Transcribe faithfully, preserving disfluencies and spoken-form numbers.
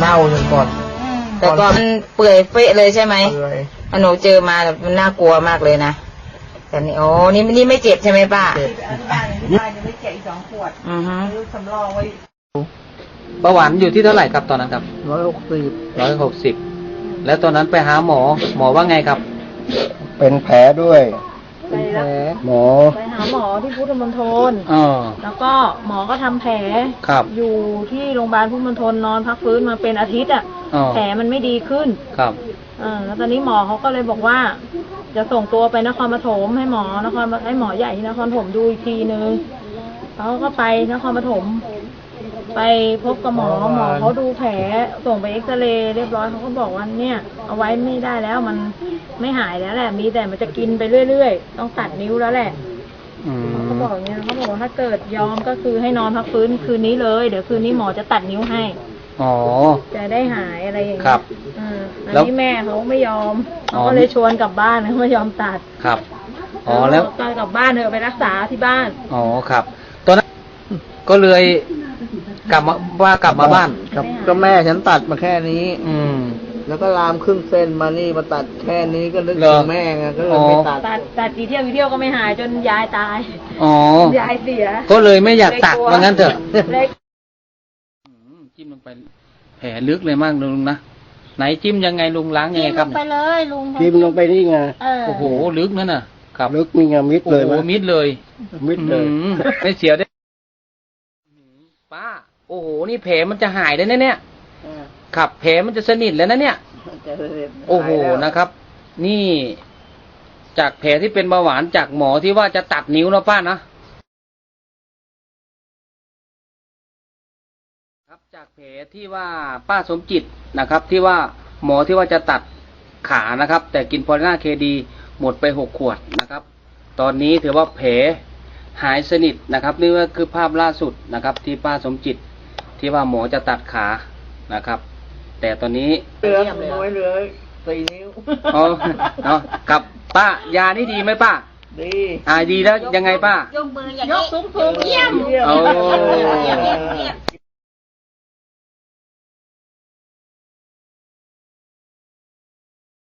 เน่าจนก่อนแต่ก่อนมันเปื่อยเฟะเลยใช่ไหมเปื่อยหนูเจอมาแบบมันน่ากลัวมากเลยนะแต่นี่โอ้นี่นี่ไม่เจ็บใช่ไหมป้าเจ็บบ้านที่บ้านยังไม่แกะอีกสองขวดอือฮึซื้อสำรองไว้เบาหวานอยู่ที่เท่าไหร่ครับตอนนั้นครับร้อยหกสิบร้อยหกสิบแล้วตอนนั้นไปหาหมอหมอว่าไงครับเป็นแผลด้วยไปแล้วหมอไปหาหมอที่พุทธมณฑลอ๋อแล้วก็หมอก็ทำแผลครับอยู่ที่โรงพยาบาลพุทธมณฑลนอนพักฟื้นมาเป็นอาทิตย์อ่ะแผลมันไม่ดีขึ้นครับอ่าแล้วตอนนี้หมอเขาก็เลยบอกว่าจะส่งตัวไปนครปฐมให้หมอนครให้หมอใหญ่ที่นครปฐมดูอีกทีนึงเขาก็ไปนครปฐมไปพบกับหมอหมอเขาดูแผลส่งไปเอ็กซเรย์เรียบร้อยเขาก็บอกว่าเนี่ยเอาไว้ไม่ได้แล้วมันไม่หายแล้วแหละมีแต่มันจะกินไปเรื่อยๆต้องตัดนิ้วแล้วแหละเขาบอกอย่างเงี้ยเขาบอกว่าถ้าเกิดยอมก็คือให้นอนพักฟื้นคืนนี้เลยเดี๋ยวคืนนี้หมอจะตัดนิ้วให้อ๋อจะได้หายอะไรอย่างเงี้ยครับอ่าอันนี้แม่เขาไม่ยอมเขาก็เลยชวนกลับบ้านเขาไม่ยอมตัดครับอ๋อแล้วตอนกลับบ้านเธอไปรักษาที่บ้านอ๋อครับตอนนั้นก็เลยกลับมาว่ากลับมาบ้านกับก็แม่ฉันตัดมาแค่นี้อืมแล้วก็ลามครึ่งเส้นมานี่มาตัดแค่นี้ก็นึกถึงแม่ไงก็เลยไม่ตัดตัดตัดกี่เที่ยวกี่เที่ยวก็ไม่หายจนยายตายอ๋อยายเสียก็เลยไม่อยากตัดว่างั้นเถอะจิ้มลงไปแผลลึกเลยมากลุงนะไหนจิ้มยังไงลุงล้างยังไงครับจิ้มลงไปเลยลุงจิ้มลงไปนี่ไงโอ้โหลึกนั่นน่ะครับลึกมีไงมิดเลยโอ้โหมิดเลยมิดเลยไม่เสียวได้ป้าโอ้โหนี่แผลมันจะหายได้แน่เนี่ยครับแผลมันจะสนิทแล้วนะเนี่ยโอ้โหนะครับนี่จากแผลที่เป็นเบาหวานจากหมอที่ว่าจะตัดนิ้วนะป้านะครับจากแผลที่ว่าป้าสมจิตนะครับที่ว่าหมอที่ว่าจะตัดขานะครับแต่กินพอลิน่าเคดีหมดไปหกขวดนะครับตอนนี้ถือว่าแผลหายสนิทนะครับนี่ก็คือภาพล่าสุดนะครับที่ป้าสมจิตที่ว่าหมอจะตัดขานะครับแต่ตอนนี้เหลือน้อยเหลือสี่นิ้วอ๋อเนาะกับป้ายานี่ดีไหมป้าดีอ่าดีแล้วยังไงป้ายกมืออย่างนี้ยกสูงๆเยี่ยมโอ้